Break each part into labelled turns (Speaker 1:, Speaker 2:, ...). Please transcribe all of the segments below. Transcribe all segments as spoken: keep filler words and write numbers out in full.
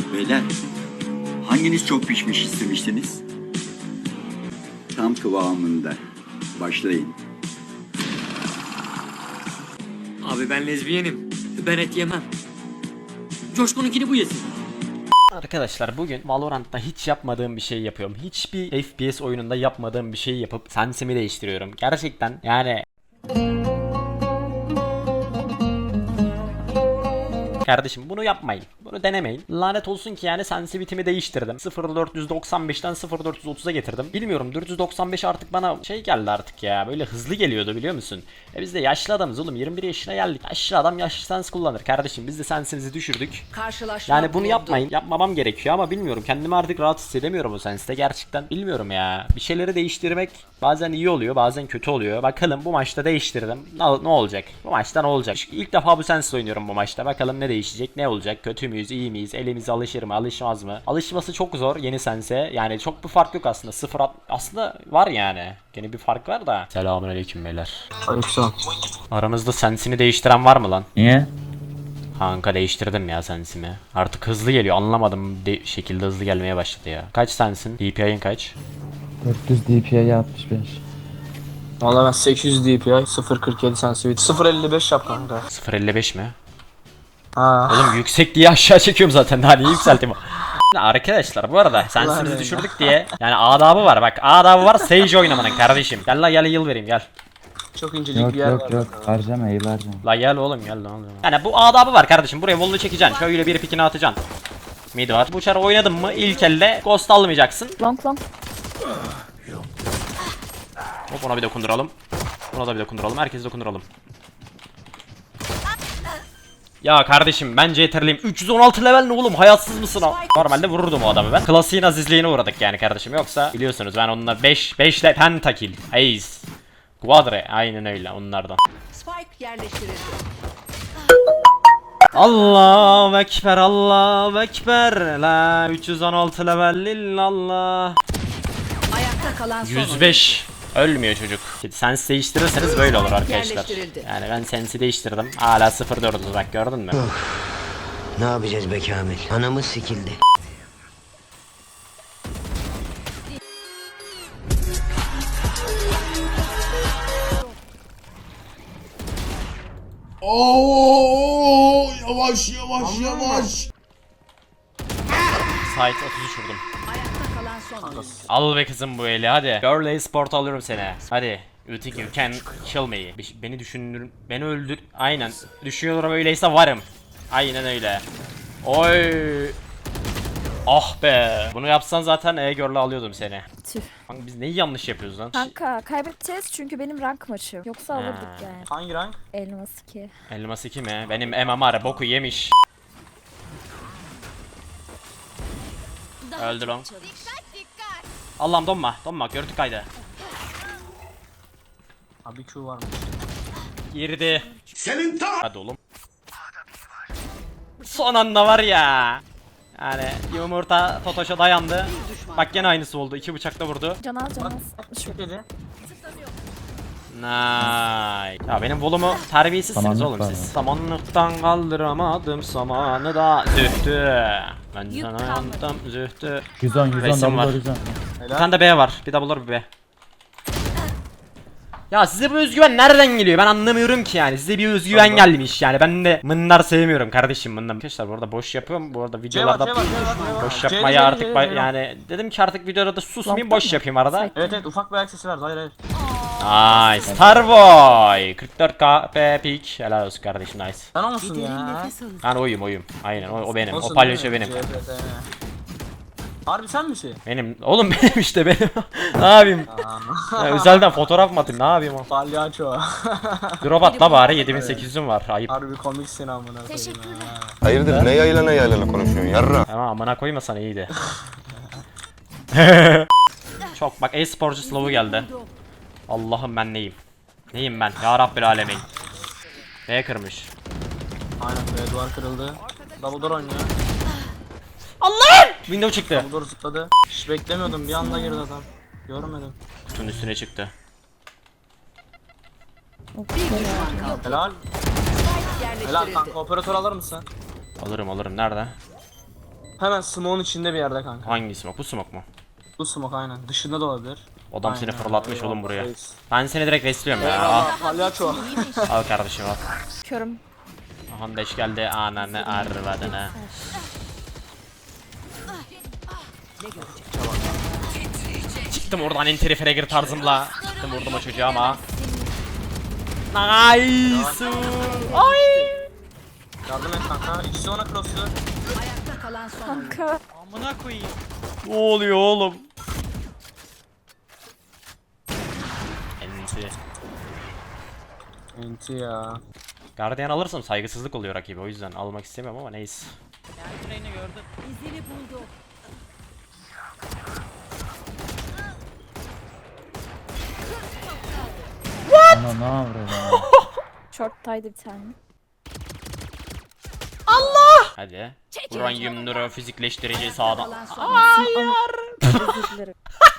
Speaker 1: Beyler, hanginiz çok pişmiş istemiştiniz? Tam kıvamında. Başlayın.
Speaker 2: Abi ben lezbiyenim. Ben et yemem. Coşkun'unkini bu yesin.
Speaker 3: Arkadaşlar bugün Valorant'ta hiç yapmadığım bir şey yapıyorum. Hiçbir F P S oyununda yapmadığım bir şey yapıp sensimi değiştiriyorum. Gerçekten yani... Kardeşim bunu yapmayın. Bunu denemeyin. Lanet olsun ki yani sensitivitimi değiştirdim. sıfır dört doksan beşten sıfır dört otuza getirdim. Bilmiyorum dört doksan beş artık bana şey geldi artık ya. Böyle hızlı geliyordu biliyor musun? E biz de yaşlı adamız oğlum. yirmi bir yaşına geldik. Yaşlı adam yaşlı sens kullanır kardeşim. Biz de sensimizi düşürdük.
Speaker 4: Karşılaşma
Speaker 3: Yani bunu
Speaker 4: bulundu.
Speaker 3: yapmayın. Yapmamam gerekiyor ama bilmiyorum. Kendimi artık rahat hissedemiyorum o senste. Gerçekten bilmiyorum ya. Bir şeyleri değiştirmek bazen iyi oluyor, bazen kötü oluyor. Bakalım bu maçta değiştirdim. Ne, ne olacak? Bu maçta ne olacak? İlk defa bu sensle oynuyorum bu maçta. Bakalım ne değişecek? Ne olacak? Kötü müyüz? İyi miyiz? Elimiz alışır mı? Alışmaz mı? Alışması çok zor yeni sense. Yani çok bir fark yok aslında. Sıfır at aslında var yani. Gene bir fark var da. Selamünaleyküm beyler.
Speaker 5: Aleykümselam.
Speaker 3: Aramızda sensini değiştiren var mı lan?
Speaker 5: Niye?
Speaker 3: Kanka değiştirdim ya sensimi. Artık hızlı geliyor. Anlamadım de şekilde hızlı gelmeye başladı ya. Kaç sensin? D P I'in kaç?
Speaker 6: dört yüz D P I altmış beş.
Speaker 5: Valla ben sekiz yüz D P I, sıfır kırk yedi sensitivity, sıfır elli beş yap kanka.
Speaker 3: sıfır elli beş mi?
Speaker 5: Ha.
Speaker 3: Oğlum yüksek diye aşağı çekiyorum zaten. Daha niye yükselteyim? Arkadaşlar bu arada sensimizi
Speaker 5: Allah
Speaker 3: düşürdük diye. Yani adabı var bak. Adabı var Sage oynamanın kardeşim. Gel la gel yıl vereyim gel.
Speaker 5: Çok incelik
Speaker 6: Yok
Speaker 5: bir yer
Speaker 6: yok
Speaker 5: var.
Speaker 6: yok harcama iyi harcama.
Speaker 3: La gel oğlum gel lan. Yani bu adabı var kardeşim. Buraya vollu çekeceksin. Şöyle bir pikini atacaksın. Mid var. Bu çarı oynadın mı ilk elde ghost almayacaksın.
Speaker 4: Long long.
Speaker 3: Hop ona bir dokunduralım. Ona da bir dokunduralım. Herkese dokunduralım. Ya kardeşim bence yeterliyim. üç yüz on altı level ne oğlum? Hayatsız mısın o? Normalde vururdum o adamı ben. Klasiğin azizliğine uğradık yani kardeşim. Yoksa biliyorsunuz ben onunla beş beş ile pentakill. Ace. Quadre. Aynen öyle onlardan.
Speaker 4: Spike yerleştirildi.
Speaker 3: Allahu ekber, Allahu ekber. La üç yüz on altı level illallah.
Speaker 4: Ayakta kalan son
Speaker 3: yüz beş. Ölmüyor çocuk. Sensi değiştirirseniz böyle olur arkadaşlar.
Speaker 4: Yerleştirildi.
Speaker 3: Yani ben sensi değiştirdim. Hala sıfır dördüz bak gördün mü?
Speaker 7: Ne yapacağız be Kamil? Anamız sikildi.
Speaker 8: Oo, yavaş yavaş yavaş.
Speaker 3: Site otuz üç vurdum.
Speaker 4: Ayakta kalan son oyun.
Speaker 3: Al be kızım bu eli hadi. Girl Sport alıyorum seni. Hadi. You think you can kill me? Bir- Beni düşündür, beni öldür. Aynen. Düşünüyorum öyleyse varım. Aynen öyle. Oy. Ah be. Bunu yapsan zaten e-girl'le alıyordum seni.
Speaker 9: Tüh.
Speaker 3: Kanka biz neyi yanlış yapıyoruz lan?
Speaker 9: Kanka kaybedeceğiz çünkü benim rank maçım. Yoksa
Speaker 3: Ha.
Speaker 9: alırdık yani.
Speaker 5: Hangi rank?
Speaker 9: Elmas iki.
Speaker 3: Elmas iki mi? Benim M M R boku yemiş. Öldü lan. Allah'ım donma. Donma. Gördük kaydı.
Speaker 5: Abi Q var mı?
Speaker 3: Girdi.
Speaker 8: Senin tam.
Speaker 3: Hadi oğlum. Son anda var ya. Yani yumurta Totoş'a dayandı. Bak gene aynısı oldu. İki bıçakla vurdu.
Speaker 9: Canaz canaz. altmış vurdu.
Speaker 5: Dedi.
Speaker 3: Nice. Ya benim volumu terbiyesizsiniz
Speaker 6: Samanlık
Speaker 3: oğlum
Speaker 6: var
Speaker 3: siz.
Speaker 6: mı?
Speaker 3: Samanlıktan kaldıramadım samanı da zühtü. Ben sana yandım zühtü.
Speaker 6: yüz on yüz on
Speaker 3: Resim var.
Speaker 6: double yüz on.
Speaker 3: Bir tane de B var. Bir double door bir B. Ya size bu özgüven nereden geliyor? Ben anlamıyorum ki yani. Size bir özgüven gelmiş yani. Ben de mınnar sevmiyorum kardeşim mınnar. Arkadaşlar bu arada boş yapıyorum. Bu arada videolarda
Speaker 5: C var, C var, C var, C var.
Speaker 3: boş
Speaker 5: C,
Speaker 3: yapmayı
Speaker 5: C,
Speaker 3: artık
Speaker 5: C,
Speaker 3: ba-
Speaker 5: C.
Speaker 3: yani dedim ki artık videoda susmayayım boş yapayım arada.
Speaker 5: Evet evet ufak bir ayak sesi var. Hayır hayır.
Speaker 3: Nice. Starboy. kırk dört K P peak. Helal olsun kardeşim nice.
Speaker 5: Sen o musun ya?
Speaker 3: Ben oyum oyum. Aynen o, o benim.
Speaker 5: Olsun
Speaker 3: o palyaço
Speaker 5: değil mi?
Speaker 3: benim.
Speaker 5: C P T. Harbi sen misin?
Speaker 3: Benim. Oğlum benim işte benim. Ne yapayım? Ya, özelden fotoğraf mı atayım? Ne yapayım o?
Speaker 5: Palyaço.
Speaker 3: Drop at la bari yedi bin sekiz yüzüm var. Ayıp.
Speaker 5: Harbi komiksin amına koyayım. ha.
Speaker 8: Hayırdır ne yaylana yaylana konuşuyorsun yarra?
Speaker 3: Ama amına koymasan iyiydi. Çok bak e-sporcu slow'u geldi. Allah'ım ben neyim? Neyim ben? Ya Rabbil alemin. B kırmış.
Speaker 5: Aynen be duvar kırıldı. Double door oynuyor.
Speaker 3: Allah'ım! Window çıktı.
Speaker 5: Double door zıpladı. Hiç beklemiyordum bir anda girdi adam. Görmedim.
Speaker 3: Kutunun üstüne çıktı.
Speaker 5: Helal.
Speaker 4: Spike
Speaker 5: Helal
Speaker 4: yerleştirildi.
Speaker 5: kanka operatör alır mısın?
Speaker 3: Alırım alırım. Nerede?
Speaker 5: Hemen smoke'un içinde bir yerde kanka.
Speaker 3: Hangi smoke? Bu smoke mu?
Speaker 5: Bu smoke aynen. Dışında da olabilir.
Speaker 3: Adam seni
Speaker 5: Aynen,
Speaker 3: fırlatmış
Speaker 5: eyvallah,
Speaker 3: oğlum buraya.
Speaker 5: reis.
Speaker 3: Ben seni direkt resliyorum ya. Al,
Speaker 5: Eyvallah palyaço.
Speaker 3: al kardeşim al.
Speaker 9: Körüm.
Speaker 3: Aha beş geldi ananı arvadına. Çıktım oradan entry fragger tarzımla. Çıktım vurdum o çocuğa ama. Nice. Ay.
Speaker 5: Yardım et kanka. İkisi ona cross'u.
Speaker 4: Ayakta kalan son oyuncu.
Speaker 9: Kanka.
Speaker 2: Amına koyayım.
Speaker 3: Ne oluyor oğlum? Entry.
Speaker 5: Enti ya.
Speaker 3: Guardian alırsam saygısızlık oluyor rakibi, o yüzden almak istemiyorum ama neyse.
Speaker 2: Ben Reyna gördüm.
Speaker 4: İzini buldu.
Speaker 6: Ana ne yapıyor ya?
Speaker 9: Short'taydı bir tane.
Speaker 3: Hadi. Uranyum nöro fizikleştirici sağdan.
Speaker 4: Kalan son oyuncu.
Speaker 9: Özür dilerim.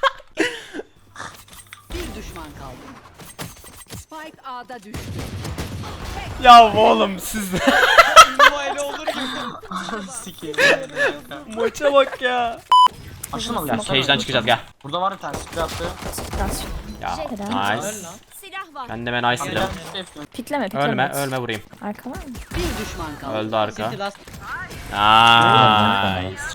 Speaker 4: Bir düşman kaldı. Spike A'da düştü.
Speaker 3: Ya oğlum siz
Speaker 2: Bu öyle olur gibi.
Speaker 5: Sikeyim.
Speaker 3: maça bak ya.
Speaker 5: Açılmadı.
Speaker 3: Gel cage'den çıkacağız gel.
Speaker 5: Burada var bir tane spray attı.
Speaker 9: Biraz.
Speaker 3: Ya
Speaker 9: Helal.
Speaker 3: nice.
Speaker 2: Öl lan.
Speaker 4: Silah var.
Speaker 3: Kendime nice
Speaker 5: Gel,
Speaker 3: dedim.
Speaker 5: spray yapıyorum.
Speaker 9: Pikleme pikleme.
Speaker 3: Ölme ölme vurayım.
Speaker 9: Arka var mı?
Speaker 4: Bir düşman kaldı.
Speaker 3: Öldü arka.
Speaker 2: City last.
Speaker 3: Nice.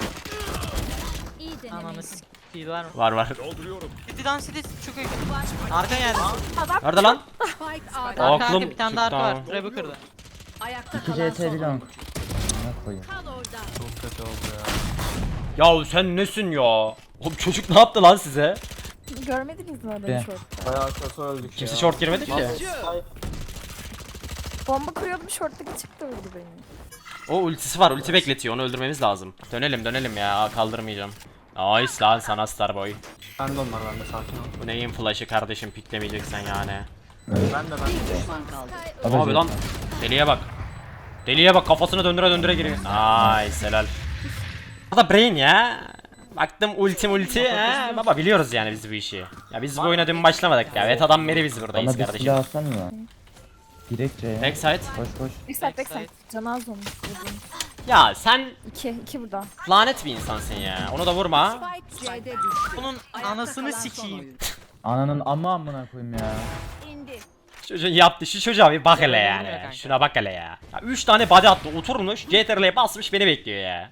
Speaker 4: İyi
Speaker 2: Ananı s***yi var mı?
Speaker 3: Var var.
Speaker 2: City'den City çok iyi. Arka geldi.
Speaker 3: Nerede lan?
Speaker 4: Spike A'da.
Speaker 2: Arka
Speaker 3: Aklım
Speaker 2: arka bir tane daha arka var.
Speaker 3: çıktı.
Speaker 2: Trap'ı kırdı.
Speaker 4: Ayakta
Speaker 6: iki
Speaker 4: kalan
Speaker 6: C
Speaker 4: son
Speaker 6: T bir long.
Speaker 4: oyuncu.
Speaker 6: Ne koyayım?
Speaker 4: Kal orada.
Speaker 5: Çok kötü oldu ya.
Speaker 3: Ya sen nesin ya? Oğlum çocuk ne yaptı lan size?
Speaker 9: Görmediniz mi adamı
Speaker 6: De.
Speaker 9: short'ta?
Speaker 5: Bayağı kötü öldük
Speaker 3: Kimse
Speaker 5: ya.
Speaker 3: short girmedi ki.
Speaker 5: Ay,
Speaker 9: Bomba kuruyordum short'taki çıktı vurdu beni.
Speaker 3: O ultisi var, ulti bekletiyor, onu öldürmemiz lazım. Dönelim dönelim ya, kaldırmayacağım. Nice lan sana Starboy.
Speaker 5: Ben de onlar bende sakin ol.
Speaker 3: Bu neyin flash'ı kardeşim, piklemeyeceksen yani.
Speaker 5: Ben de ben de.
Speaker 4: Bir düşman kaldı.
Speaker 3: Abi
Speaker 6: Abi
Speaker 3: lan deliye bak. Deliye bak, kafasını döndüre döndüre giriyor. Nice helal. Bu da brain ya. Baktım ulti ulti he. Baba biliyoruz yani biz bu işi. Ya biz bu oyuna dün başlamadık ya. Evet adam Meri biz buradayız
Speaker 6: bana bir
Speaker 3: kardeşim.
Speaker 6: silah alsana mı? Direkt C'ye.
Speaker 3: Backside.
Speaker 6: Koş koş.
Speaker 9: Backside backside. Canı az olmuş. vurdum.
Speaker 3: Ya sen
Speaker 9: İki. iki burada.
Speaker 3: lanet bir insansın ya. Onu da vurma.
Speaker 4: Spike C'de düştü.
Speaker 2: Bunun
Speaker 4: Ayakta
Speaker 2: anasını
Speaker 4: kalan son
Speaker 2: sikeyim.
Speaker 4: oyuncu.
Speaker 6: Ananın amma amına koyayım ya.
Speaker 4: İndi.
Speaker 3: Çocuğun yaptı, şu çocuğa bir bak hele
Speaker 2: Vurmuyor
Speaker 3: yani.
Speaker 2: kanka.
Speaker 3: Şuna bak hele ya. Ya üç tane body attı, oturmuş, C T R L'ye basmış beni bekliyor ya.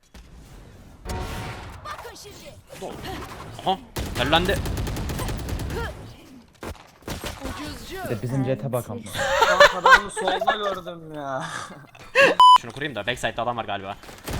Speaker 3: Aha, terlendi.
Speaker 6: Bir de bizim jet'e bak ama.
Speaker 5: Kanka ben onu solda gördüm ya.
Speaker 3: Şunu kurayım da backside'da adam var galiba.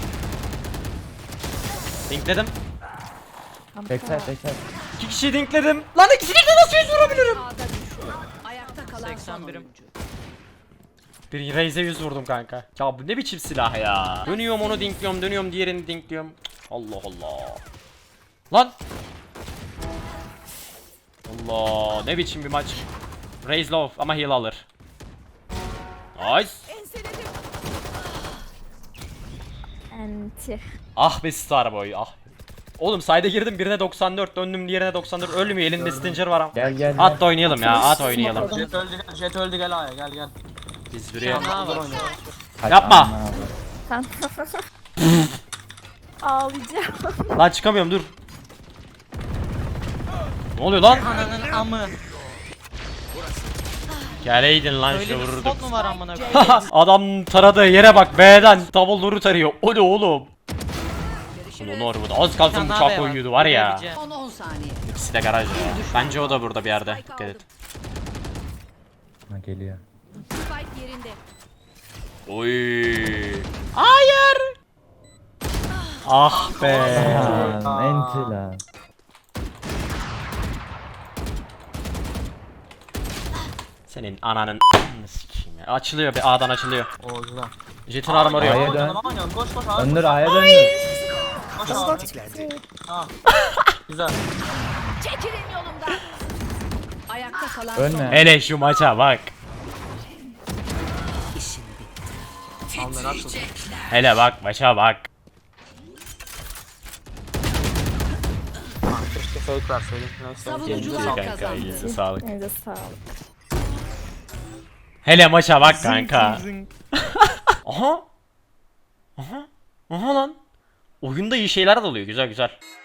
Speaker 3: Dinkledim.
Speaker 6: Backside backside.
Speaker 3: İki kişiyi dinkledim. Lan ikisini de nasıl yüz vurabilirim?
Speaker 4: A'da düştü. Ayakta kalan son
Speaker 2: seksen birim.
Speaker 4: oyuncu.
Speaker 3: Bir Raze'e yüz vurdum kanka. Ya bu ne biçim silah ya. Dönüyorum onu dinkliyorum, dönüyorum diğerini dinkliyorum. Allah Allah. Lan. Allah ne biçim bir maç. Raze low ama heal alır. Nice.
Speaker 9: Enti.
Speaker 3: Ah be Starboy ah. Oğlum side'e girdim birine doksan dört döndüm diğerine doksan dört ölmüyor elinde Stinger var ama.
Speaker 6: Gel gel gel.
Speaker 3: At da oynayalım ya at oynayalım.
Speaker 5: Jet öldü gel, jet öldü gel A'ya gel gel.
Speaker 3: Biz buraya.
Speaker 2: Ne var?
Speaker 6: Hadi
Speaker 3: Yapma.
Speaker 6: amına koyayım.
Speaker 9: Sen. Ağlayacağım.
Speaker 3: Lan çıkamıyorum dur. Ne oluyor lan?
Speaker 2: Ananın amı.
Speaker 3: Geleydin lan
Speaker 2: Öyle
Speaker 3: şu
Speaker 2: bir
Speaker 3: vururduk.
Speaker 2: spot mu var amına koyayım?
Speaker 3: Adam taradığı yere bak B'den double door'u tarıyor. O ne oğlum? Ulan orada az kalsın
Speaker 2: Sen
Speaker 3: bıçak
Speaker 2: daha
Speaker 3: koyuyordu var ya.
Speaker 2: Bilemeyeceğim.
Speaker 4: Son on saniye.
Speaker 3: İkisi de garaj ya. Bence o da burada bir yerde. Dikkat et.
Speaker 6: Ha, geliyor.
Speaker 4: Spike yerinde.
Speaker 3: Oy. Hayır. Ah be.
Speaker 6: Lan enti lan.
Speaker 3: Senin ananın sikeyim ya. Açılıyor bir A'dan açılıyor.
Speaker 5: Oo güzel.
Speaker 3: Jet'in armoru yok.
Speaker 6: A'ya dön.
Speaker 5: Aman ya koş koş abi.
Speaker 6: Döndür A'ya döndür.
Speaker 5: Koş abi. Ha. Güzel.
Speaker 4: Çekilin yolumdan. Ayakta kalan
Speaker 6: Ölme.
Speaker 4: son.
Speaker 3: Hele şu maça bak.
Speaker 5: Almer açıl.
Speaker 3: Hele bak maça bak.
Speaker 5: Ha, keşke fake verseydim. Neyse.
Speaker 4: Savunucular
Speaker 3: İyi kanka
Speaker 4: kazandı.
Speaker 3: iyisi sağlık.
Speaker 9: Elinize sağlık.
Speaker 3: Hele maça bak kanka. Aha. Aha. Aha lan. oyunda iyi şeyler de oluyor. Güzel güzel.